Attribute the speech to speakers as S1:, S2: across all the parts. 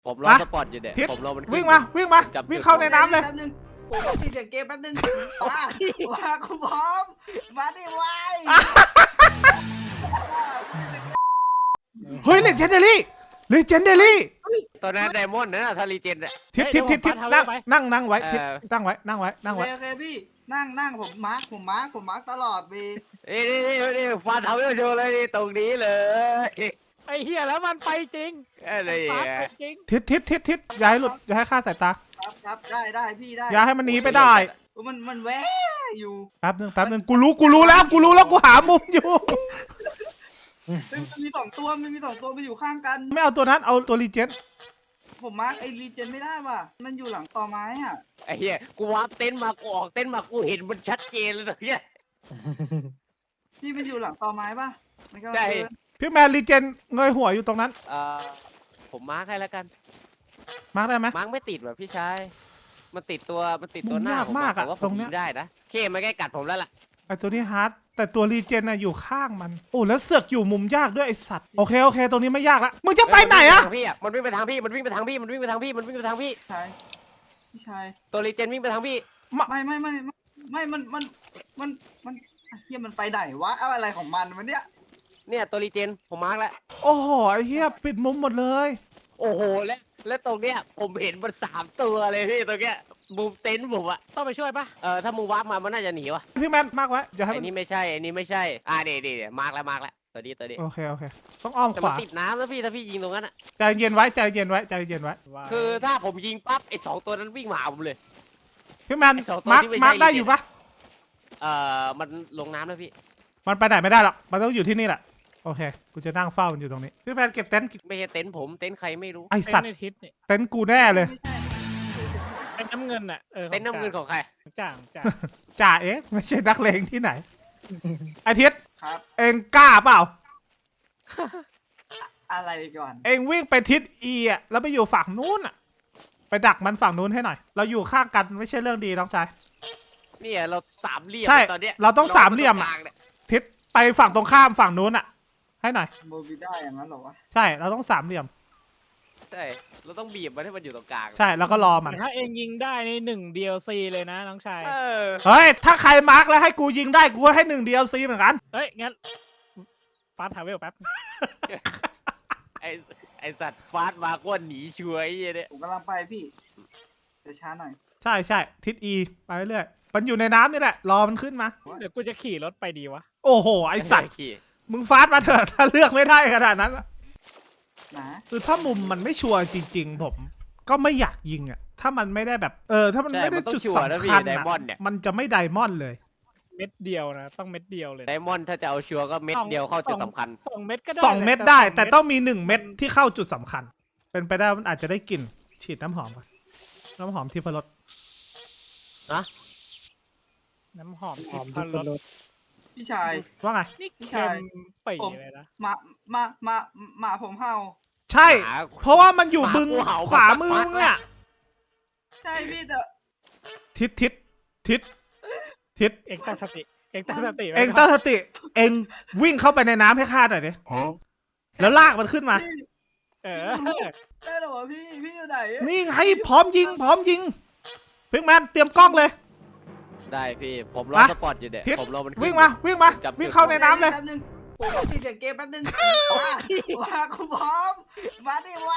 S1: ผมรอสปอร์ตอยู่เด็ดผมรอมัน
S2: วิ่งมาวิ่งเข้าในน้ำเลย
S3: ผมต้องตีเสียงเกมแป๊บนึงมาคุณพร้อมมาดิไว
S2: เฮ้ยเลเจนเดอรี่
S1: ตอนนั้นไดมอนด์นะทารีเจนอะ
S2: ทิศนั่งไว้ทิศนั่งไว้
S3: โอเคพี่นั่งผมมาร์คตลอดวี
S1: นี่ฟันทำให้โชว์เลยนี่ตรงนี้เลย
S4: ไอ้เหี้ยแล้วมันไปจริง
S1: อะไร
S4: ปา
S1: อ่ะ
S4: ไปจริง
S2: ทิศอย่าให้หลุดอย่าให้ฆ่าสายตา
S3: ครับได้พี่ได้
S2: อย่าให้มันหนีไปได้
S3: มันแวะอยู่
S2: แป๊บนึงกูรู้แล้วกูหามุมอยู่
S3: มันมี2 ตัวมันอยู่ข้างกัน
S2: ไม่เอาตัวนั้นเอาตัวรีเจน
S3: ผมมาร์คไอ้รีเจนไม่ได้ว่ะมันอยู่หลังต่อไม้อ่ะ
S1: ไอ้เหี้ยกูวาร์ปเต็นท์มากูออกเต็นท์มากูเห็นมันชัดเจนเลยตรงเนี้ย
S3: พี่มันอยู่หลังต่อไม้ป่ะมันก็
S1: ใช่
S2: พี่แมนรีเจนเงยหัวอยู่ตรงนั้น
S1: ผมมาร์คให้แล้วกัน
S2: มาร์กได้ไหม
S1: มาร์คไม่ติดแบบพี่ชายมันติดตัวหน้าผม
S2: ยากมากอะ
S1: แต่ว่า
S2: ต
S1: ผ
S2: ร
S1: ม
S2: งเนี้
S1: ยิ
S2: ย
S1: งได้นะเคมันใกล้กัดผมแล้วล่ะ
S2: ไอตัวนี้ฮาร์ดแต่ตัวรีเจนน่ะอยู่ข้างมันโอ้แล้วเสือกอยู่มุมยากด้วยไอสัตว์โอเคตรงนี้ไม่ยากละมึงจะไปไหนอะ
S1: มันวิ่งไปทางพี่มันวิ่งไปทางพี่
S3: พี่ชาย
S1: ตัวรีเจนวิ่งไปทางพี่
S3: ไม่มันเฮียมันไปไหนวะอะไรของมันวะเนี่ย
S1: เนี่ยตัวรีเจนผมมาร์กแล้ว
S2: โอ้โหไอเฮียปิดมุมหมดเลย
S1: โอ้โหและตรงเนี้ยผมเห็นมัน3 ตัวเลยพี่ตรงเนี้ยมุมเต็นท์ผมอะ
S4: ต้องไปช่วยปะ
S1: ถ้ามึงวาร์ปมามันน่าจะหนีวะ
S2: พี่แมนมากไว้อย่าให้
S1: ไอ้
S2: มัน
S1: นี่ไม่ใช่เดี๋ยวมาร์กแล้วตัวนี้
S2: โอเคต้องอ้อม
S1: แต่
S2: ข
S1: มัน
S2: วา
S1: ติดน้ำแล้วพี่ถ้าพี่ยิงตรงนั้นอะ
S2: ใจเย็นไว้
S4: ว่า
S1: คือถ้าผมยิงปั๊บไอ้2 ตัวนั้นวิ่งมาหาผมเลย
S2: พี่แมน
S1: ไอ้สองตัว
S2: มาร์ก
S1: ที่ไม่ใช่
S2: มาร์กได้อยู่ปะ
S1: มันลงน้ำแล้วพี่
S2: มันไปไหนไม่ได้หรอกมันต้องอยู่ที่นี่แหละโอเคกูจะนั่งเฝ้ามันอยู่ตรงนี้พี่แมนเก็บเต็นท์
S1: ไม่ใช่เต็นท์ผมเต็นท์ใครไม่รู้
S2: ไอสัตว์
S4: ในทิศนี่
S2: เต็นท์กูแน่เลย
S3: ไม่ใช่
S4: เป็นน้ำเงินอ่ะ
S1: เต็นท์น้ำเงินของใคร
S4: จ่าง
S2: จ่าเอ๊ะไม่ใช่นักเลงที่ไหนไอทิศ
S3: ครับ
S2: เองกล้าเปล่า
S3: อะไรก่อน
S2: เองวิ่งไปทิศอีอ่ะแล้วไปอยู่ฝั่งนู้นอ่ะไปดักมันฝั่งนู้นให้หน่อย เราอยู่ข้างกันไม่ใช่เรื่องดีน้องชาย
S1: เนี่ยเรา3 เหลี่ยม
S2: ใช่
S1: ตอนเนี้ย
S2: เราต้อง3 เหลี่ยม
S1: ก
S2: อะ
S1: ลางนี่ย
S2: ทิศไปฝั่งตรงข้ามฝั่งนู้นอ่ะ ให้หน่อย
S3: โมบิได้อย่างนั้นเหรอวะ
S2: ใช่เราต้อง3 เหลี่ยม
S1: ใช่เราต้องบีบมันให้มันอยู่ตรงกลาง
S2: ใช่แล้วก็รอมัน
S4: ถ้าเองยิงได้ใน1 DLC เลยนะน้องชาย
S2: เฮ้ยถ้าใครมาร์กแล้วให้กูยิงได้กูให้1 DLC เหมือนกัน
S4: เฮ้ยงั้นฟาสทาวเวลแป๊บ
S1: ไอสัตว์ฟาดมาก้นหนีช่วยเนี่ย
S3: ผมกำลังไปพี่แต่ช้าหน่อย
S2: ใช่ทิศอีไปเรื่อยมันอยู่ในน้ำนี่แหละรอมันขึ้นมา
S4: เดี๋ยวกูจะขี่รถไปดีวะ
S2: โอ้โหไอสัตว์
S1: ขี่
S2: มึงฟาดมาเถอะถ้าเลือกไม่ได้ขนาดนั้นอะ
S3: นะ
S2: คือถ้ามุมมันไม่ชัวร์จริงๆผมก็ไม่อยากยิงอ่ะถ้ามันไม่ได้แบบถ้ามันไม่ได้จุดสำคัญ
S1: ได
S2: อะ
S1: มอนด์เนี่ย
S2: มันจะไม่ไดมอนด์เลย
S4: เม็ดเดียวนะต้องเม็ดเดียวเลย
S1: ไดมอนด์ถ้าจะเอาชัวร์ก็เม็ดเดียวเข้าจุดสำคัญ
S4: 2 เม็ดก็ได้
S2: 2 เม็ดได้ แต่ต้องมี1 เม็ดที่เข้าจุดสำคัญ เป็นไปได้มันอาจจะได้กลิ่นฉีดน้ำหอมก่อนน้ำหอมที่พรส
S4: น้ำหอมทิพรส
S3: พี่ชาย
S2: ว่าไง
S4: นี่เค็มปีเลยนะ
S3: มาผมเห่า
S2: ใช่ เพราะว่ามันอยู่บึงขวามือมึงเนี่ย
S3: ใช่พี่แต่
S2: ทิศ
S4: เองตั้งสติไว้
S2: เอง
S4: ก่น
S2: ตั้งสติเองวิ่งเข้าไปในน้ำให้ข้าหน่อยดิแล้วลากมันขึ้นมา
S3: ได้หรอวะพี่อยู่ไหน
S2: นี่ไงพร้อมยิงพิกแมนเตรียมกล้องเลย
S1: ได้พี่ผมรอ
S2: มา
S1: สปอร์ตอยู่เด็ด
S2: ทิศ
S1: ผมรอมันขึ้น
S2: วิ่งมาวิ่งเข้าในน้ำเลย
S3: ผมต้องตีเสียงเกมแป๊บนึงมาคุณพร้อมมาดิไว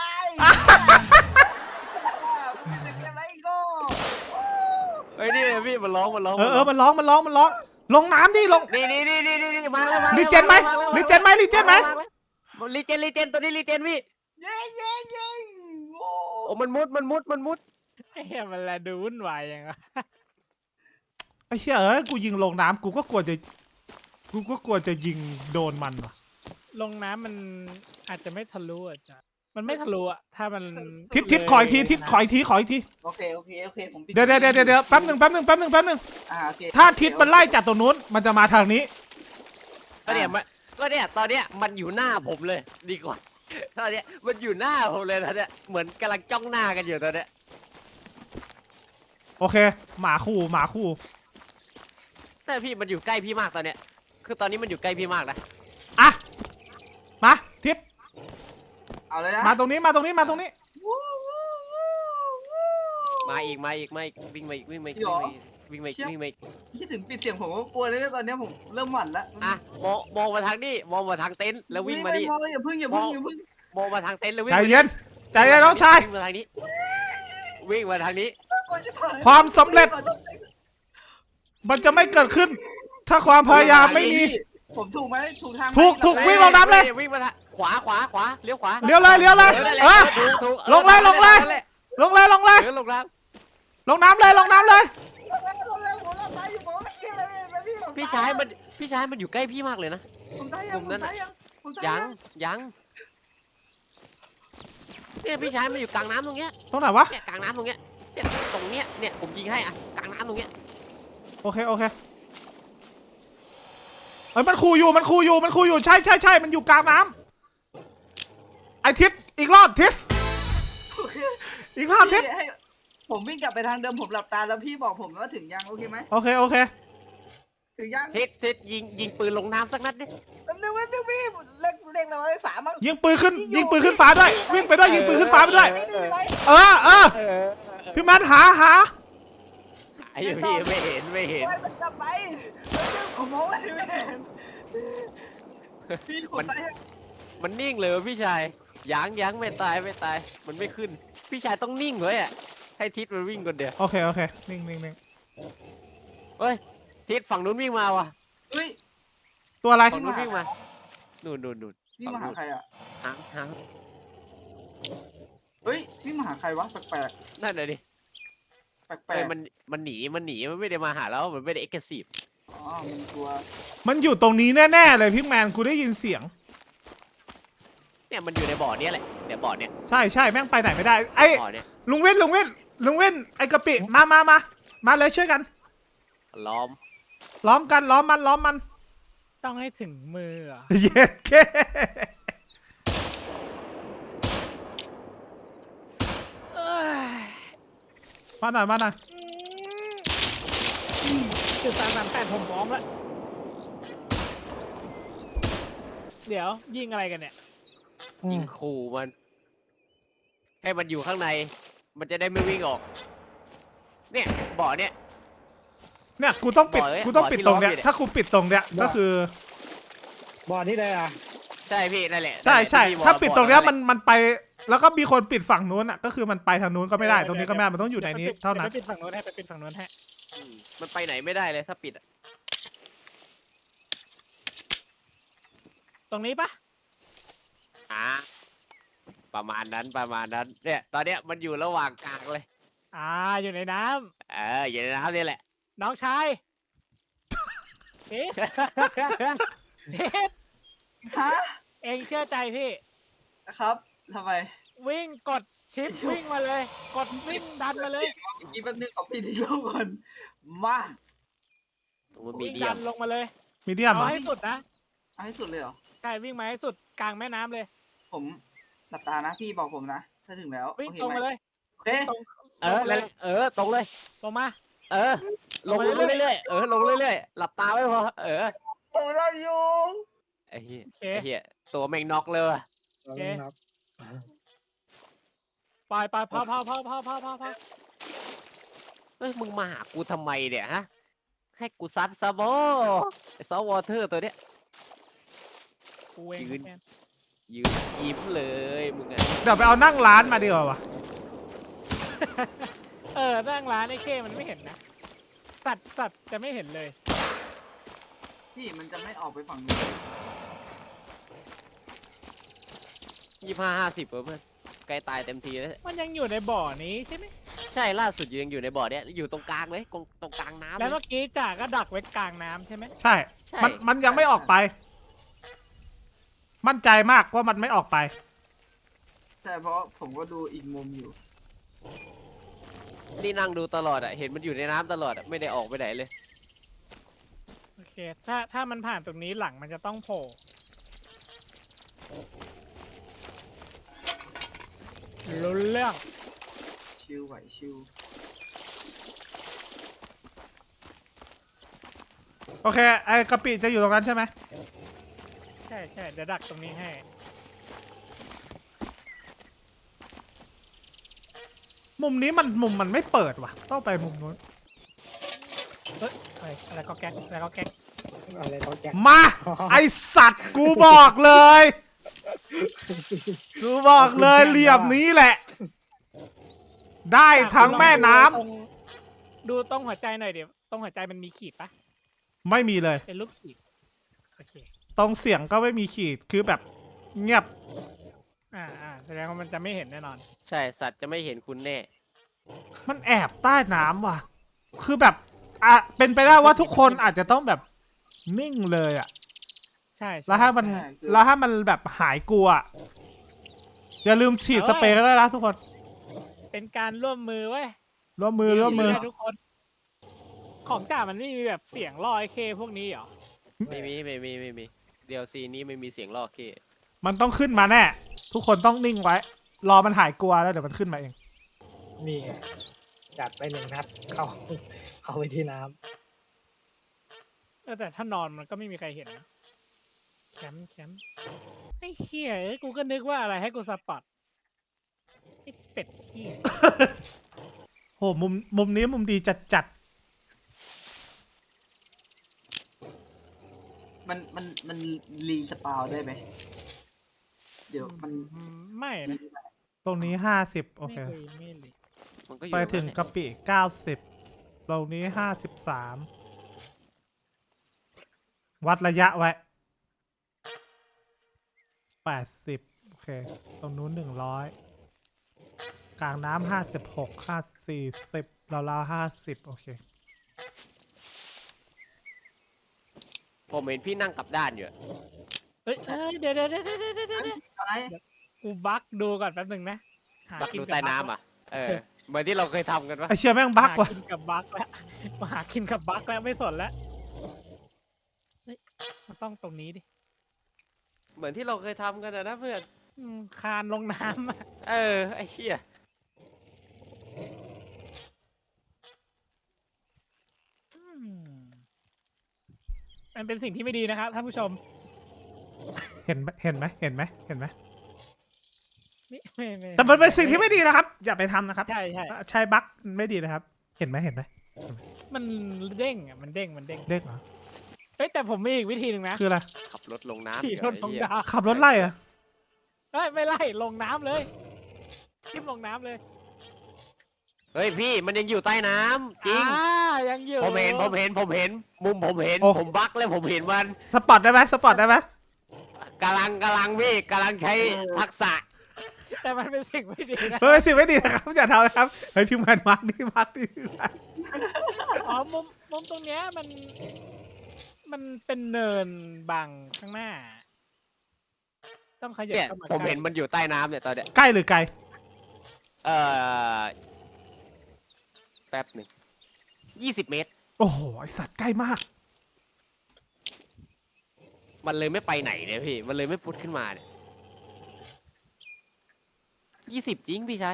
S3: เสียงเกมอะไรอีกโก้
S1: เฮ้ยนี่พี่มันร้อง
S2: มันร้องลงน้ำดิลง
S1: นี่มาแล้ว
S2: รีเจนไหมรีเจนไหม
S1: รีเจนตัวนี้รีเจนพี่
S3: ยิง
S1: โอ้มันมุด
S4: ไอ้เหี้ยมันละดูวุ่นวายยังไง
S2: ไอ้เชี่ยกูยิงลงน้ำกูก็กลัวจะยิงโดนมันว่ะ
S4: ลงน้ำมันอาจจะไม่ทะลุอ่ะจ้ะมันไม่ทะลุอ่ะถ้ามัน
S2: ทิศขออีกที
S3: โอเคผมปิด
S2: เดี๋ยวแป๊บหนึ่ง
S3: โอเค
S2: ถ้าทิศมันไล่จากตรงนู้นมันจะมาทางนี้
S1: ก็เนี่ยตอนเนี้ยมันอยู่หน้าผมเลยดีกว่าตอนเนี้ยมันอยู่หน้าผมเลยตอนเนี้ยเหมือนกำลังจ้องหน้ากันอยู่ตอนเนี้ย
S2: โอเคหมาคู่
S1: แต่พี่มันอยู่ใกล้พี่มากตอนเนี้ยคือตอนนี้มันอยู่ใกล้พี่มากนะ
S2: อ่ะมาทิศ
S3: เอาเลยนะ
S2: มาตรงนี้
S1: มาอีกวิ่งมาอีกวิ่งมาอีกวิ่งมาอีกวิ่งมาอีก
S3: คิดถึงปิดเสียงผมก็กลัวเลยนะตอนนี้ผมเริ่มหวั่นแล้ว
S1: อ่ะมองมาทางนี้มองมาทางเต็นท์แล้ววิ่งมาดิ
S3: มองอย่าพึ่ง
S1: มองมาทางเต็นท์แล้ววิ่ง
S2: ใจเย็นใจเย็นน้องชาย
S1: วิ่งมาทางนี้วิ่งมาทางนี้
S2: ความสำเร็จ มันจะไม่เกิดขึ้น ถ้าความพยายามไม่มี
S3: ผมถูกไหมถูกทาง
S2: ถูกวิ่งลงน้ำเลย
S1: วิ่งมาทางขวาเลี้ยวขวา
S2: เลี้ยวเลยเออ
S1: ถูก
S2: ลงเลยลงเลย ลงเลยลงเลย
S1: ลงน้
S2: ลงน้ำเลยลงน้ำเลย
S1: ำพี่ชายมันอยู่ใกล้พี่มากเลยนะ
S3: ผมตายยังผมตายยัง
S1: ยังเนี่ยพี่ชายมันอยู่กลางน้ำตรงเนี้ย
S2: ตรงไหนวะ
S1: เนี่ยกลางน้ำตรงเนี้ยเนี่ยตรงเนี้ยเนี่ยผมยิงให้อ่ะกลางน้ำตรงเนี้ย
S2: โอเคเอ้ยมันขู่อยู่ใช่มันอยู่กลางน้ำไอทิศอีกรอบทิศอีกรอบทิศ
S3: ผมวิ่งกลับไปทางเดิมผมหลับตาแล้วพี่บอกผมว่าถึงยังโอเคไหม
S2: โอเค
S3: ถึงยัง
S1: ทิศยิงปืนลงน้ำสักนัดดิ
S3: แป๊บนึงพี่เล็กเราไอ้สามั้ง
S2: ยิงปืนขึ้นฟ้าด้วยวิ่งไปด้วยยิงปืนขึ้นฟ้าไปด้วย
S3: นี่ไหม
S2: เออพี่แมนหา
S1: ไอ้พี่ไม่เห็น
S3: มันกลับไปผมมองไม่เห็นพี่ผมตายยัง
S1: มันนิ่งเลยวะพี่ชายยังไม่ตายมันไม่ขึ้นพี่ชายต้องนิ่งเลยอ่ะให้ทิศมันวิ่งคนเดียว
S2: โอเคนิ่ง
S1: เฮ้ยทิศฝั่งนู้นวิ่งมาว่ะ
S3: เฮ้ย
S2: ตัวอะไร
S1: ฝั่งนู้นวิ่งมานู่น
S3: นี่มาหาใครอ่ะ
S1: หาง
S3: เฮ้ยนี่มาหาใครวะแปลก
S1: นั่นเลยดิ
S3: แปล
S1: เฮ้ย
S3: ก
S1: มันหนีมันไม่ได้มาหาเรามันไม่ได้เอ็กซ์ซีฟ
S3: อ๋อมันกลัว
S2: มันอยู่ตรงนี้แน่ๆเลยพี่แมนกูได้ยินเสียง
S1: เนี่ยมันอยู่ในบ่อเนี้ยแหละเดี๋ยวบ่อเนี้ย
S2: ใช่แม่งไปไหนไม่ได้ไอ้
S1: บ่อเนี้ย
S2: ลุงเว้นไอ้กะปิมาเลยช่วยกัน
S1: ล้อม
S2: ล้อมมัน
S4: ต้องให้ถึงมืออ่ะ
S2: เย็ดเค มาหน่อย
S4: จุด338ผมพร้อมแล้วเดี๋ยวยิงอะไรกันเนี่ย
S1: ยิงขู่มันให้มันอยู่ข้างในมันจะได้ไม่วิ่งออกเนี่ยบ่อเนี้ย
S2: เนี่ยกูต้องปิด
S1: บ่อที่
S2: ตรงเนี้ย
S1: ล้อมอยู่เนี่ย
S2: ถ้ากูปิดตรงเนี้ยก็คือ
S4: บ่อนี่เลยอ่ะ
S1: ใช่พี่นั่นแหละ
S2: ใช่
S1: ที่
S2: ถ้าปิดตรงเนี้ย
S1: บ่อ
S2: มันไปแล้วก็มีคนปิดฝั่งนู้นอ่ะก็คือมันไปทางนู้นก็ไม่ได้ตรงนี้ก็ไม่ได้มันต้องอยู่ในนี้เท่านั้น
S4: ไปปิดฝั่งโน้นให้ไปปิดฝั่งโน้นให้
S1: มันไปไหนไม่ได้เลยถ้าปิดอะ
S4: ตรงนี้ปะ
S1: อ่ะประมาณนั้นเนี่ยตอนเนี้ยมันอยู่ระหว่างกลางเลย
S4: อยู่ในน้
S1: อยู่ในน้ำนี่แหละ
S4: ำน้องชายเอ๊ะเอ๊ะ
S3: ฮะ
S4: เองเชื่อใจพี่
S3: ครับทำไม
S4: วิ่งกดชิปวิ่งมาเลย กดวิ่งดันมาเลย
S3: อีกทีแป๊บนึงขอปิดอีกรอบก่อนมา
S1: มันมี
S4: วิ่ง
S1: เดีย
S4: ดั
S1: ม
S4: นลงมาเลย
S2: มีเดียม
S4: เอาให้สุดนะ
S3: เอาให้สุดเลยเหรอ
S4: ใช่วิ่งมาให้สุดกลางแม่น้ำเลย
S3: ผมหลับตานะพี่บอกผมนะถ้าถึงแล้ว
S4: วิ่ง
S3: โอเค
S4: ตรง
S3: ไหม
S4: มาเลย
S3: โอเค
S4: ตรง
S1: นั่นแหละตรงเลย
S4: ตรงมา
S1: ลงเรื่อยๆลงเรื่อยๆหลับตาไว้พอ
S3: ผมเราอยู่
S1: ไอ้เหี้ยตัวแม่งน็อกเลยว่ะ
S4: โอเคไปพอ
S1: เฮ้ยมึงมาหากูทำไมเนี่ยฮะให้กูซัดซะบ่ไอ้ซอฟต์วอเตอร์ตัวเนี้ย
S4: กูเอง
S1: ยืน ยืนยิ้มเลยมึงอะ
S2: เดี๋ยวไปเอานั่งร้านมาดีกว่าวะ
S4: นั่งร้านไอ้เข้มันไม่เห็นนะสัตว์จะไม่เห็นเลย
S3: พี่มันจะไม่ออกไปฝั่งนี้
S1: 25-50เพื่อนใกล้ตายเต็มทีแล้ว
S4: มันยังอยู่ในบ่อนี้ใช่ไหม
S1: ใช่ล่าสุดยังอยู่ในบ่อเนี้ยอยู่ตรงกลางเลยตรงกลางน้ำ
S4: แล้วเมื่อกี้จ่าก็ดักไว้กลางน้ำใช่ไหม
S2: ใช่ มันยังไม่ออกไป มั่นใจมากว่ามันไม่ออกไป
S3: ใช่เพราะผมก็ดูอีกมุมอยู่
S1: นี่นั่งดูตลอดอะเห็นมันอยู่ในน้ำตลอดอะไม่ได้ออกไปไหนเลย
S4: โอเคถ้ามันผ่านตรงนี้หลังมันจะต้องโผล่รู้เรื่อง
S3: ชิวไหวชิว
S2: โอเคไอ้กะปิจะอยู่ตรงนั้นใช่ไหม
S4: ใช่เดี๋ยวดักตรงนี้ให้
S2: โมมุมนี้มุมมันไม่เปิดว่ะต้องไปมุมนู้น
S4: เฮ้ยอะไรก็แก๊กอะไรก็แก๊ก
S3: อะไรเขาแก
S2: มาไอสัตว์กูบอกเลยกูบอกเลยเหลี่ยมนี้แหละ ได้ทั้งแม่น้ำ
S4: ดูต้องหัวใจหน่อยเดี๋ยวต้องหัวใจมันมีขีดปะ
S2: ไม่มีเลย
S4: เป็นรูปขีดโอเค
S2: ตรงเสียงก็ไม่มีขีดคือแบบเงียบ
S4: แสดงว่ามันจะไม่เห็นแน่นอน
S1: ใช่สัตว์จะไม่เห็นคุณแน่
S2: มันแอบใต้น้ำว่ะ คือแบบเป็นไปได้ว่าทุกคนอาจจะต้องแบบนิ่งเลยอ่ะ
S4: ใช่
S2: แล้วถ้ามันแบบหายกลัวอย่าลืมฉีดสเปรย์ก็ได้นะทุกคน
S4: เป็นการร่วมมือเว้ย
S2: ร่วมมือ
S4: ทุกคน ของจ่ามันไม่มีแบบเสียงลอยเคพวกนี้เหรอ
S1: ไม่มีเดี๋ยวซีนี้ไม่มีเสียงลอกเค
S2: มันต้องขึ้นมาแน่ ทุกคนต้องนิ่งไว้ รอมันหายกลัวแล้วเดี๋ยวมันขึ้นมาเอง
S3: นี่ไงจัดไป1 นัดเข้าไปที่น้ำ
S4: แต่ถ้านอนมันก็ไม่มีใครเห็นนะแชมป์ไอ้เหี้ยกูก็นึกว่าอะไรให้กูสปอตไอ้เป็ดเหี้ย
S2: โหมุมนี้มุมดีจัด
S3: มันรีสปาวได้ไหมเดี๋ยวมัน
S4: ไม่นะ
S2: ตรงนี้50โอเค
S4: ไม่เลย
S1: มันก็อยู่
S2: ไปถึง
S1: นั่นแหละ
S2: กะปิ90ตรงนี้53วัดระยะไว้80โอเคตรงนู้น100กลางน้ำ56 40ราวๆ50โอเค
S1: ผมเห็นพี่นั่งกลับด้านอยู่อะ
S4: เฮ้ยเดี๋ยว
S3: อะไร
S4: กูบักดูก่อนแป๊บนึงนะหา
S1: บัก
S4: กิน
S1: ดู
S4: กับ
S1: ใต้น้ำอ่ะเหมือนที่เราเคยทำกันปะ
S2: ไอเชียแม่งบั๊ก
S4: หา
S2: ว่ะ
S4: กินกับบักแล้วมาหากินกับบักแล้วไม่สนแล้วเฮ้ยมันต้องตรงนี้ดิ
S1: เหมือนที่เราเคยทำกันนะเพื่อน
S4: คานลงน้ำอะ
S1: ไอ้เหี้ย
S4: มันเป็นสิ่งที่ไม่ดีนะครับท่านผู้ชม
S2: เห็นไหม
S4: นี่ไม่
S2: แต่มันเป็นสิ่งที่ไม่ดีนะครับ อย่าไปทำนะครับ
S4: ใช่
S2: ใช้บั๊กไม่ดีนะครับ เห็นไหม
S4: มันเด้งอ่ะมันเด้ง
S2: เด็กเหรอ
S4: เฮ้ยแต่ผมมีอีกวิธีหนึ่งนะ
S2: คืออะไร
S1: ขับรถลงน้ำ
S4: ขี่รถลง
S1: ไอ้เหี้ย
S4: น้ำ
S2: ขับรถไล่เหรอะ
S4: เฮ้ยไม่ไล่ลงน้ำเลยทิ่มลงน้ำเลย
S1: เฮ้ยพี่มันยังอยู่ใต้น้ำจริง
S4: ยังอยู่
S1: ผมเห็นมุมผมเห็นผมบักแล้วผมเห็นมัน
S2: สปอตได้ไหม
S1: กำลังพี่กำลังใช้ทักษะ
S4: แต่มันเป็นสิ่งไม่ดีนะ
S2: เฮ้ยสิ่งไม่ดีนะครับอย่าทำนะครับเฮ้ยพิมพ์แมนมาร์กนี่
S4: อ๋อมุมตรงเนี้ยมันเป็นเนินบังข้างหน้า ต้องขยับ
S1: เนี่ย
S4: เข้ามา
S1: ผม
S4: ใกล้
S1: เห็นมันอยู่ใต้น้ำเนี่ยตอนเนี้ย
S2: ใกล้หรือไกล
S1: แป๊บหนึ่ง20 เมตร
S2: โอ้โหไอสัตว์ใกล้มาก
S1: มันเลยไม่ไปไหนเนี่ยพี่ มันเลยไม่พุดขึ้นมาเนี่ย20จริงพี่ชาย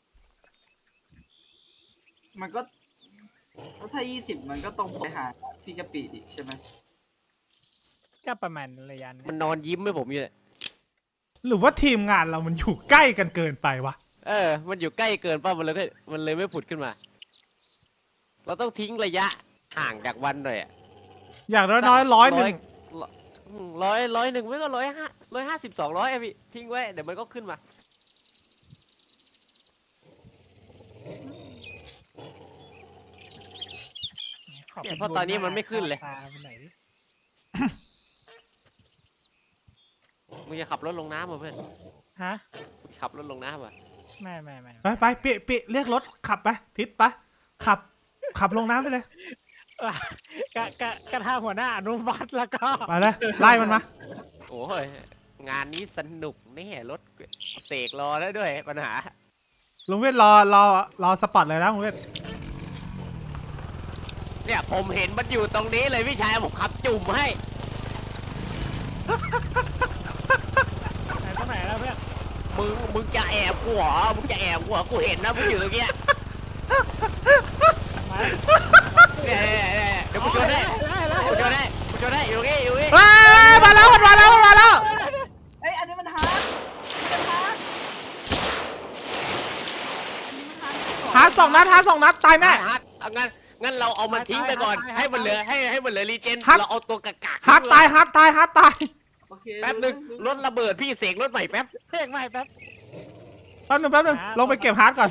S3: มันก็ถ้า20มันก็ตรงไปหาพี่กะปิดิใช่ไหม
S4: ก็ประมาณระยะนั้น
S1: มันนอนยิ้มให้ผมอยู่เนี่ย
S2: หรือว่าทีมงานเรามันอยู่ใกล้กันเกินไปวะ
S1: มันอยู่ใกล้เกินป่ะมันเลยไม่ผุดขึ้นมา เราต้องทิ้งระยะห่างจากวันหน่อยอะ
S2: อย่างน้อยๆ100
S1: ร้อยหนึ่งไม่ก็150 200อะพี่ทิ้งไว้เดี๋ยวมันก็ขึ้นมา
S4: ขอบ
S1: เนี่ยเพราะตอนนี้มันไม่ขึ้นเลย
S4: ตาไปไหนดิ
S1: มึงจะขับรถลงน้ำมาเพื่อน
S4: ฮะ
S1: ขับรถลงน้ำอ่ะ
S4: ไม่
S2: ไปปิเรียกรถขับไปทิศไปขับลงน้ำไปเลย
S4: กระทาหัวหน้าอนุวัตแล้วก็
S2: ไปเลยไล่มันมา
S1: โอ้ยงานนี้สนุกแน่รถเสกรอแล้วด้วยปัญหา
S2: ลุงเวทรอสปอตเลยนะลุงเวท
S1: เนี่ยผมเห็นมันอยู่ตรงนี้เลยพี่ชายผมขับจุ่มให้
S4: ไหนตรงไหนแล้วเพื่อน
S1: มึงจะแอบกูเหรอมึงจะแอบกูเหรอกูเห็นนะมึงอยู่ตรงเนี้ย
S4: มา
S1: เนี่ยเดี๋ยวกูชนได้กูชนได้อยู่นี่
S2: มาแล้ว
S3: เอ้ยอันนี้มันฮาร์ด
S2: ฮาร์ด2 นัดฮาร์ด2 นัดตายแน่
S1: ฮาร์ดเอางั้นเราเอามันทิ้งไปก่อน ให้มันเหลือให้มันเหลือรีเจน
S2: ฮาร์ด
S1: เราเอาตัวกากๆ
S2: ฮาร์ดตายฮาร์ดตายฮาร์ดตาย
S3: โอเค
S1: แป๊บนึงรถระเบิดพี่เสกรถใหม่แป๊บ
S4: เพลงใหม่แป๊บ
S2: แป๊บนึงลงไปเก็บฮาร์ดก่อน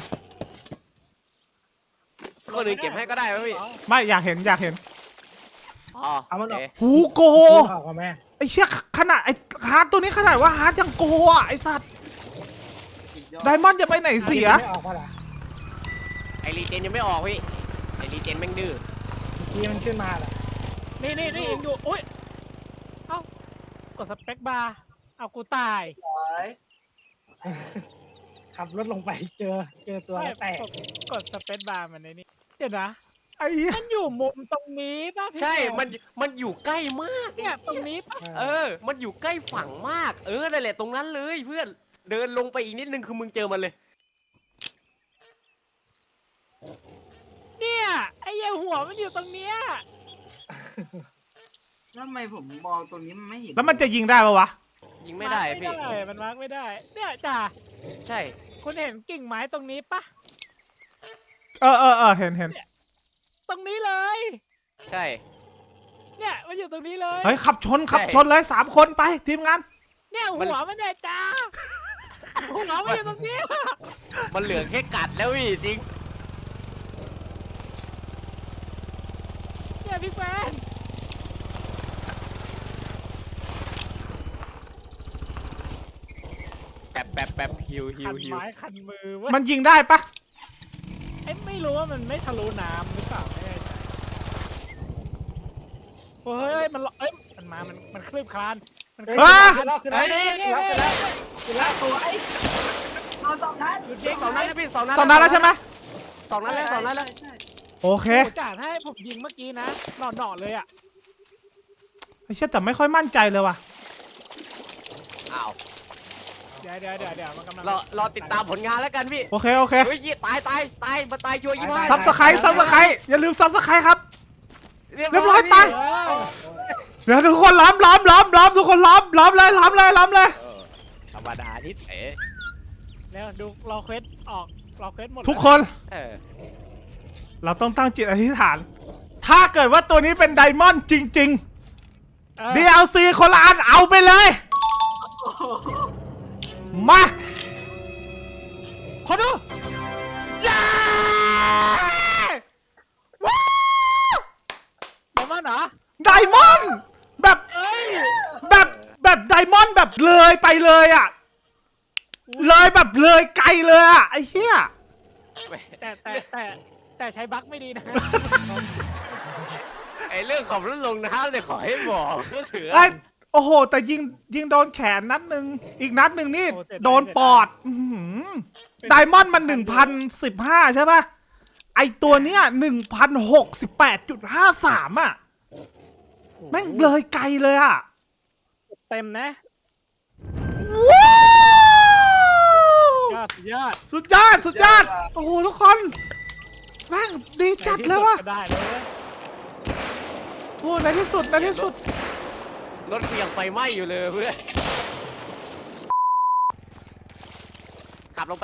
S1: คนอื่นเก็บให้ก็ได้ไหมพี่
S2: ไม่อยากเห็น
S1: อ๋อ
S3: เอามันออก
S1: โอเค
S2: หูโก
S3: ออกมาแม่
S2: ไอ้เชี่ยขนาดไอ้ฮาร์ดตัวนี้ขนาดว่าฮาร์ดยังโกอ่ะไอ้สัตว์ไดมอนด์จะไปไหนเสีย
S3: ไม่ออกมาละ
S1: ไอรีเจนยังไม่ออกพี่ไอรีเจนแม่งดื้อ
S3: กี้มันขึ้นมาละ
S4: นี่เองดูอุ้ยเอ้ากดสเปคบาร์เอากูตาย
S3: ขับรถลงไปเจอตัวแล้วแตก
S4: กดสเปคบาร์มันในนี้เดี๋ยวนะ
S2: ไอ้เหี้ย
S4: มันอยู่มุมตรงนี้ป่ะพี่
S1: ใช่
S4: แซ
S1: มันอยู่ใกล้มาก
S4: เนี่ยตรงนี้ป่ะ
S1: มันอยู่ใกล้ฝั่งมากนั่นแหละตรงนั้นเลยเพื่อนเดินลงไปอีกนิดนึงคือมึงเจอมันเลย
S4: เนี่ยไอ้เหี้ยหัวมันอยู่ตรงเนี้ย
S3: ทำไมผมมองตรงนี้มันไม่เห็น
S2: แล้วมันจะยิงได้ปะวะ
S1: ยิงไม่ได้พี่
S4: มันมาร์กไม่ได้ เนี่ยจ่า
S1: ใช่
S4: คุณเห็นกิ่งไม้ตรงนี้ป่ะ
S2: เห็น
S4: ตรงนี้เลย
S1: ใช่
S4: เนี่ยมันอยู่ตรงนี้เลย
S2: เฮ้ยขับชนเลย3 คนไปทีมงาน
S4: เนี่ยหัวมันเนี่ยจ้าหัวมันอยู่ตรงนี้
S1: มันเหลือแค่กัดแล้วพี่จริง
S4: เนี่ยพี่แฟน
S1: แป๊บฮิว
S4: คันไม้คันมือเว้ย
S2: มันยิงได้ปะ
S4: เอ้ยไม่รู้ว่ามันไม่ทะลุน้ำหรือเปล่าไม่แน่ใจเฮ้ยมันมามันคลืบคลานมันคลืบ
S3: ขึ้นแล้วขึ้นแล้ว
S4: ขึ้นแล้วตัวไอ้
S3: เอาสองนัด
S1: สองนัดแล้วพี่สองนัด
S2: 2 นัดแล้วใช่ไหม
S1: สองนัดแล้วสองนัดแล้ว
S2: โอเค
S4: โอ้จ่าถ้าให้ผมยิงเมื่อกี้นะหน่อเลยอ่ะ
S2: ไอ้เชี่ยแต่ไม่ค่อยมั่นใจเลยว่ะ
S1: อ้าว
S4: เดี๋ยวมันกำลัง
S1: รอติดตามผลงานแล้วกันพี่
S2: โอเค
S1: เฮ้ยตายมาตายชัวร์ยี่ห้า
S2: ซับสไครต์อย่าลืมซับสไครต์ครับ เรียบร้อยตาย เดี๋ยวทุกคนล้อมทุกคนล้อมเลย
S1: ธรรมดานิดเอ๋
S4: แล้วดูรอเควสออกรอเควสหมด
S2: ทุกคน เราต้องตั้งจิตอธิษฐาน ถ้าเกิดว่าตัวนี้เป็นไดมอนด์จริงๆ DLC คนละอันเอาไปเลย มาขอดูเย้ว้าว
S4: เดี๋ยวมันเหรอ
S2: ไดมอนด์แบบไดมอนด์แบบเลยไปเลยอ่ะ เลยแบบเลยไกลเลยอ่ะไอ้เหี้ย
S4: แต่ใช้บั๊กไม่ดีนะ
S1: ไอเรื่องของรถลงน้ำเนี่ยขอให้บอกก็ถือ
S2: ไอ้โอ้โห แต่ยิงโดนแขนนัดหนึ่งอีกนัดหนึ่งนี่โดนปอดไดมอนด์มัน 1,015 ใช่ป่ะ ไอตัวเนี้ย 1,068.53 อ่ะ แม่งเลยไกลเลยอ่ะ
S4: เต็มนะ
S2: ว้าว
S4: สุดยอด
S2: สุดยอด โอ้โห ทุกคน แม่งดีจัดเลยว่ะ
S4: ได้เลย
S2: โอ้ในที่สุด
S1: รถกูยังไฟไหม้อยู่เลยเพื่อนขับลงไป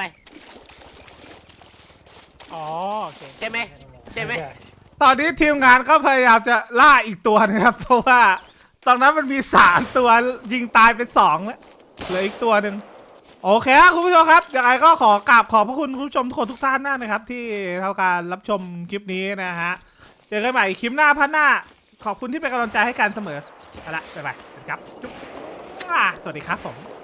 S4: อ๋อโอเค
S1: ใช่ไหม
S2: ตอนนี้ทีมงานก็พยายามจะล่าอีกตัวนะครับ เพราะว่าตอนนั้นมันมี3ตัวยิงตายไป2แล้วเหลืออีกตัวหนึ่งโอเคครับคุณผู้ชมครับยังไงก็ขอกราบขอบพระคุณคุณผู้ชมทุกท่านมากนะครับ ที่ทำการรับชมคลิปนี้นะฮะเจอกันใหม่คลิปหน้าพันหน้าขอบคุณที่เป็นกำลังใจให้กันเสมอเอาละบ๊ายบายครับจุ๊บสวัสดีครับผม